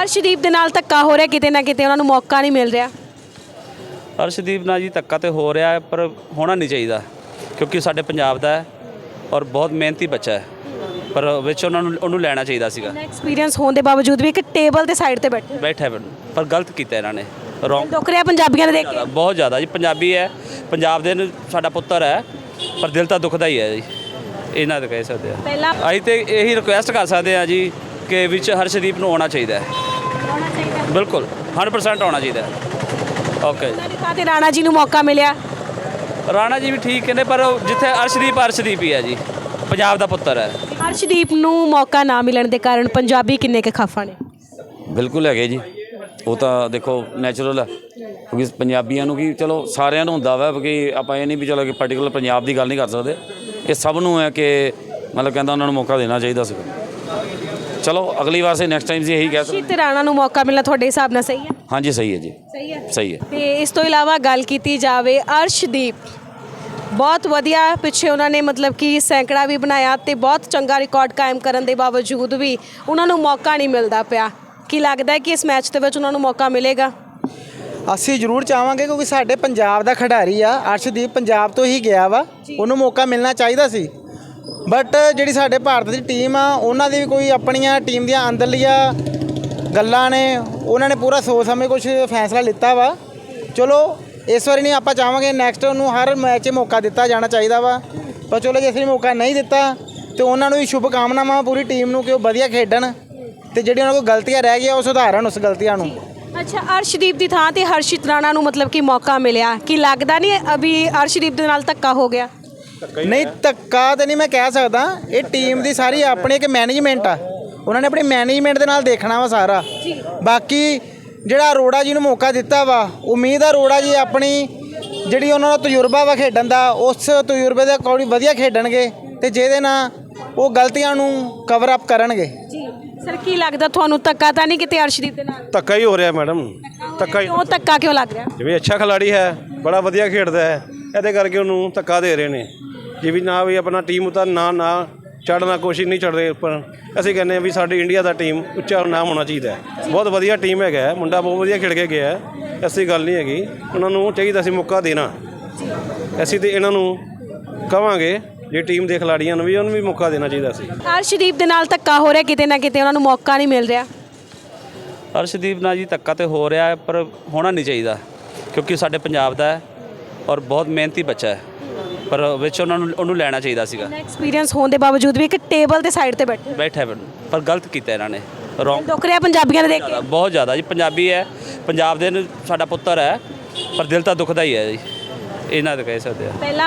ਅਰਸ਼ਦੀਪ ਦੇ ਨਾਲ ਧੱਕਾ ਹੋ ਰਿਹਾ, ਕਿਤੇ ਨਾ ਕਿਤੇ ਉਹਨਾਂ ਨੂੰ ਮੌਕਾ ਨਹੀਂ ਮਿਲ ਰਿਹਾ। ਅਰਸ਼ਦੀਪ ਨਾਲ ਜੀ ਧੱਕਾ ਤੇ ਹੋ ਰਿਹਾ ਹੈ, ਪਰ ਹੋਣਾ ਨਹੀਂ ਚਾਹੀਦਾ ਕਿਉਂਕਿ ਸਾਡੇ ਪੰਜਾਬ ਦਾ ਹੈ ਔਰ ਬਹੁਤ ਮਿਹਨਤੀ ਬੱਚਾ ਹੈ, ਪਰ ਵਿੱਚ ਉਹਨੂੰ ਲੈਣਾ ਚਾਹੀਦਾ ਸੀਗਾ। ਐਕਸਪੀਰੀਅੰਸ ਹੋਣ ਦੇ ਬਾਵਜੂਦ ਵੀ ਇੱਕ ਟੇਬਲ ਦੇ ਸਾਈਡ ਤੇ ਬੈਠਾ ਹੈ ਪਰ ਗਲਤ ਕੀਤਾ ਇਹਨਾਂ ਨੇ, ਰੋਂਗ। ਦੁੱਖ ਰਿਹਾ ਪੰਜਾਬੀਆਂ ਨੇ ਦੇਖ ਕੇ। ਬਹੁਤ ਜ਼ਿਆਦਾ ਜੀ, ਪੰਜਾਬੀ ਹੈ, ਪੰਜਾਬ ਦੇ ਸਾਡਾ ਪੁੱਤਰ ਹੈ, ਪਰ ਦਿਲ ਤਾਂ ਦੁਖਦਾ ਹੀ ਹੈ ਜੀ, ਇਹਨਾਂ ਦਾ ਕਹਿ ਸਕਦੇ ਆ। ਪਹਿਲਾਂ ਅਸੀਂ ਤੇ ਇਹੀ ਰਿਕੁਐਸਟ ਕਰ ਸਕਦੇ ਆ ਜੀ ਕਿ ਵਿੱਚ ਹਰਸ਼ਦੀਪ ਨੂੰ ਆਉਣਾ ਚਾਹੀਦਾ ਹੈ, ਬਿਲਕੁਲ 100% ਆਉਣਾ ਚਾਹੀਦਾ ਹੈ। ਓਕੇ ਤੇ ਰਾਣਾ ਜੀ ਨੂੰ ਮੌਕਾ ਮਿਲਿਆ, ਰਾਣਾ ਜੀ ਵੀ ਠੀਕ ਨੇ, ਪਰ ਜਿੱਥੇ ਅਰਸ਼ਦੀਪ ਹੀ ਹੈ ਜੀ, ਪੰਜਾਬ ਦਾ ਪੁੱਤਰ ਹੈ। ਅਰਸ਼ਦੀਪ ਨੂੰ ਮੌਕਾ ਨਾ ਮਿਲਣ ਦੇ ਕਾਰਨ ਪੰਜਾਬੀ ਕਿੰਨੇ ਕੁ ਖਫਾ ਨੇ? ਬਿਲਕੁਲ ਹੈਗੇ ਜੀ, ਉਹ ਤਾਂ ਦੇਖੋ ਨੈਚੁਰਲ ਹੈ ਕਿਉਂਕਿ ਪੰਜਾਬੀਆਂ ਨੂੰ ਕੀ, ਚਲੋ ਸਾਰਿਆਂ ਨੂੰ ਹੁੰਦਾ ਵਾ ਕਿ ਆਪਾਂ ਇਹ ਨਹੀਂ ਵੀ ਚਲੋ ਕਿ ਪਾਰਟਿਕੂਲਰ ਪੰਜਾਬ ਦੀ ਗੱਲ ਨਹੀਂ ਕਰ ਸਕਦੇ, ਇਹ ਸਭ ਨੂੰ ਹੈ ਕਿ ਮਤਲਬ ਕਹਿੰਦਾ ਉਹਨਾਂ ਨੂੰ ਮੌਕਾ ਦੇਣਾ ਚਾਹੀਦਾ ਸੀ। ਚਲੋ ਅਗਲੀ ਵਾਰ ਸੇ ਨੈਕਸਟ ਟਾਈਮ ਜੀ ਇਹੀ ਕਹਿ ਸਕਦੇ। ਤੇ ਰਾਣਾ ਨੂੰ ਮੌਕਾ ਮਿਲਣਾ ਤੁਹਾਡੇ ਹਿਸਾਬ ਨਾਲ ਸਹੀ ਹੈ? ਹਾਂਜੀ ਸਹੀ ਹੈ ਜੀ, ਸਹੀ ਹੈ। ਸਹੀ ਹੈ। ਤੇ ਇਸ ਤੋਂ ਇਲਾਵਾ ਗੱਲ ਕੀਤੀ ਜਾਵੇ, ਅਰਸ਼ਦੀਪ ਬਹੁਤ ਵਧੀਆ ਪਿੱਛੇ ਉਹਨਾਂ ਨੇ ਮਤਲਬ ਕਿ ਸੈਂਕੜਾ ਵੀ ਬਣਾਇਆ ਤੇ ਬਹੁਤ ਚੰਗਾ ਰਿਕਾਰਡ ਕਾਇਮ ਕਰਨ ਦੇ ਬਾਵਜੂਦ ਵੀ ਉਹਨਾਂ ਨੂੰ ਮੌਕਾ ਨਹੀਂ ਮਿਲਦਾ ਪਿਆ। ਕੀ ਲੱਗਦਾ ਹੈ ਕਿ ਇਸ ਮੈਚ ਦੇ ਵਿੱਚ ਉਹਨਾਂ ਨੂੰ ਮੌਕਾ ਮਿਲੇਗਾ? ਅਸੀਂ ਜ਼ਰੂਰ ਚਾਹਾਂਗੇ ਕਿਉਂਕਿ ਸਾਡੇ ਪੰਜਾਬ ਦਾ ਖਿਡਾਰੀ ਆ ਅਰਸ਼ਦੀਪ, ਪੰਜਾਬ ਤੋਂ ਹੀ ਗਿਆ ਵਾ, ਉਹਨੂੰ ਮੌਕਾ ਮਿਲਣਾ ਚਾਹੀਦਾ ਸੀ। ਬਟ ਜਿਹੜੀ ਸਾਡੇ ਭਾਰਤ ਦੀ ਟੀਮ ਆ, ਉਹਨਾਂ ਦੀ ਵੀ ਕੋਈ ਆਪਣੀਆਂ ਟੀਮ ਦੀਆਂ ਅੰਦਰਲੀਆਂ ਗੱਲਾਂ ਨੇ, ਉਹਨਾਂ ਨੇ ਪੂਰਾ ਸੋਚ ਸਮਝ ਕੁਝ ਫੈਸਲਾ ਲਿੱਤਾ ਵਾ। ਚਲੋ ਇਸ ਵਾਰੀ ਨਹੀਂ, ਆਪਾਂ ਚਾਹਾਂਗੇ ਨੈਕਸਟ ਉਹਨੂੰ ਹਰ ਮੈਚ 'ਚ ਮੌਕਾ ਦਿੱਤਾ ਜਾਣਾ ਚਾਹੀਦਾ ਵਾ। ਪਰ ਚਲੋ ਜੇ ਅਸੀਂ ਮੌਕਾ ਨਹੀਂ ਦਿੱਤਾ ਤੇ ਉਹਨਾਂ ਨੂੰ ਵੀ ਸ਼ੁਭ ਕਾਮਨਾਵਾਂ ਪੂਰੀ ਟੀਮ ਨੂੰ ਕਿ ਉਹ ਵਧੀਆ ਖੇਡਣ ਤੇ ਜਿਹੜੀਆਂ ਉਹਨਾਂ ਕੋਲ ਗਲਤੀਆਂ ਰਹਿ ਗਈਆਂ ਉਹ ਸੁਧਾਰਨ ਉਸ ਗਲਤੀਆਂ ਨੂੰ। ਅੱਛਾ, ਅਰਸ਼ਦੀਪ ਦੀ ਥਾਂ ਤੇ ਹਰਸ਼ਿਤ ਰਾਣਾ ਨੂੰ ਮਤਲਬ ਕਿ ਮੌਕਾ ਮਿਲਿਆ, ਕੀ ਲੱਗਦਾ ਨਹੀਂ ਅਭੀ ਅਰਸ਼ਦੀਪ ਦੇ ਨਾਲ ਧੱਕਾ ਹੋ ਗਿਆ? ਨਹੀਂ, ਧੱਕਾ ਤਾਂ ਨਹੀਂ ਮੈਂ ਕਹਿ ਸਕਦਾ, ਇਹ ਟੀਮ ਦੀ ਸਾਰੀ ਆਪਣੀ ਇੱਕ ਮੈਨੇਜਮੈਂਟ ਆ, ਉਹਨਾਂ ਨੇ ਆਪਣੀ ਮੈਨੇਜਮੈਂਟ ਦੇ ਨਾਲ ਦੇਖਣਾ ਵਾ ਸਾਰਾ। ਬਾਕੀ ਜਿਹੜਾ ਅਰੋੜਾ ਜੀ ਨੂੰ ਮੌਕਾ ਦਿੱਤਾ ਵਾ, ਉਮੀਦ ਆ ਅਰੋੜਾ ਜੀ ਆਪਣੀ ਜਿਹੜੀ ਉਹਨਾਂ ਦਾ ਤਜਰਬਾ ਵਾ ਖੇਡਣ ਦਾ, ਉਸ ਤਜਰਬੇ ਦੇ ਅਕੋਰਡਿੰਗ ਵਧੀਆ ਖੇਡਣਗੇ ਤੇ ਜਿਹਦੇ ਨਾਲ ਉਹ ਗਲਤੀਆਂ ਨੂੰ ਕਵਰ ਅਪ ਕਰਨਗੇ। ਜੀ ਸਰ, ਕੀ ਲੱਗਦਾ ਤੁਹਾਨੂੰ ਧੱਕਾ ਤਾਂ ਨਹੀਂ ਕਿਤੇ ਅਰਸ਼ਦੀਪ ਦੇ ਨਾਲ? ਧੱਕਾ ਹੀ ਹੋ ਰਿਹਾ ਮੈਡਮ, ਧੱਕਾ ਹੀ। ਕਿਉਂ ਧੱਕਾ ਕਿਉਂ ਲੱਗ ਰਿਹਾ? ਜਿਵੇਂ ਅੱਛਾ ਖਿਲਾੜੀ ਹੈ, ਬੜਾ ਵਧੀਆ ਖੇਡਦਾ ਹੈ, ਇਹਦੇ ਕਰਕੇ ਉਹਨੂੰ ਧੱਕਾ ਦੇ ਰਹੇ ਨੇ। ਜੇ ਵੀ ਨਾ ਵੀ ਆਪਣਾ ਟੀਮ ਉਤਾਰ ਨਾ ਚੜ੍ਹਨਾ, ਕੋਸ਼ਿਸ਼ ਨਹੀਂ ਚੜ੍ਹਦੇ ਉੱਪਰ। ਅਸੀਂ ਕਹਿੰਦੇ ਹਾਂ ਵੀ ਸਾਡੀ ਇੰਡੀਆ ਦਾ ਟੀਮ ਉੱਚਾ ਨਾਮ ਹੋਣਾ ਚਾਹੀਦਾ ਹੈ। ਬਹੁਤ ਵਧੀਆ ਟੀਮ ਹੈਗਾ ਹੈ, ਮੁੰਡਾ ਬਹੁਤ ਵਧੀਆ ਖੇਡ ਕੇ ਗਿਆ ਹੈ, ਐਸੀ ਗੱਲ ਨਹੀਂ ਹੈਗੀ। ਉਹਨਾਂ ਨੂੰ ਚਾਹੀਦਾ ਸੀ ਮੌਕਾ ਦੇਣਾ। ਅਸੀਂ ਤਾਂ ਇਹਨਾਂ ਨੂੰ ਕਹਾਂਗੇ ਜੇ ਟੀਮ ਦੇ ਖਿਲਾੜੀਆਂ ਨੂੰ ਵੀ ਉਹਨੂੰ ਵੀ ਮੌਕਾ ਦੇਣਾ ਚਾਹੀਦਾ ਸੀ। ਅਰਸ਼ਦੀਪ ਦੇ ਨਾਲ ਧੱਕਾ ਹੋ ਰਿਹਾ, ਕਿਤੇ ਨਾ ਕਿਤੇ ਉਹਨਾਂ ਨੂੰ ਮੌਕਾ ਨਹੀਂ ਮਿਲ ਰਿਹਾ। ਅਰਸ਼ਦੀਪ ਨਾਲ ਜੀ ਧੱਕਾ ਤੇ ਹੋ ਰਿਹਾ ਹੈ, ਪਰ ਹੋਣਾ ਨਹੀਂ ਚਾਹੀਦਾ ਕਿਉਂਕਿ ਸਾਡੇ ਪੰਜਾਬ ਦਾ ਹੈ ਔਰ ਬਹੁਤ ਮਿਹਨਤੀ ਬੱਚਾ ਹੈ, ਪਰ ਵਿੱਚ ਉਹਨੂੰ ਲੈਣਾ ਚਾਹੀਦਾ ਸੀਗਾ। ਐਕਸਪੀਰੀਅੰਸ ਹੋਣ ਦੇ ਬਾਵਜੂਦ ਵੀ ਇੱਕ ਟੇਬਲ ਦੇ ਸਾਈਡ ਤੇ ਬੈਠਾ ਹੈ, ਪਰ ਗਲਤ ਕੀਤਾ ਇਹਨਾਂ ਨੇ, ਰੋਂਗ। ਦੁੱਖ ਰਿਹਾ ਪੰਜਾਬੀਆਂ ਨੇ ਦੇਖ ਕੇ। ਬਹੁਤ ਜ਼ਿਆਦਾ ਜੀ, ਪੰਜਾਬੀ ਹੈ, ਪੰਜਾਬ ਦੇ ਸਾਡਾ ਪੁੱਤਰ ਹੈ, ਪਰ ਦਿਲ ਤਾਂ ਦੁਖਦਾ ਹੀ ਹੈ ਜੀ, ਇਹਨਾਂ ਦਾ ਕਹਿ ਸਕਦੇ ਆ। ਪਹਿਲਾਂ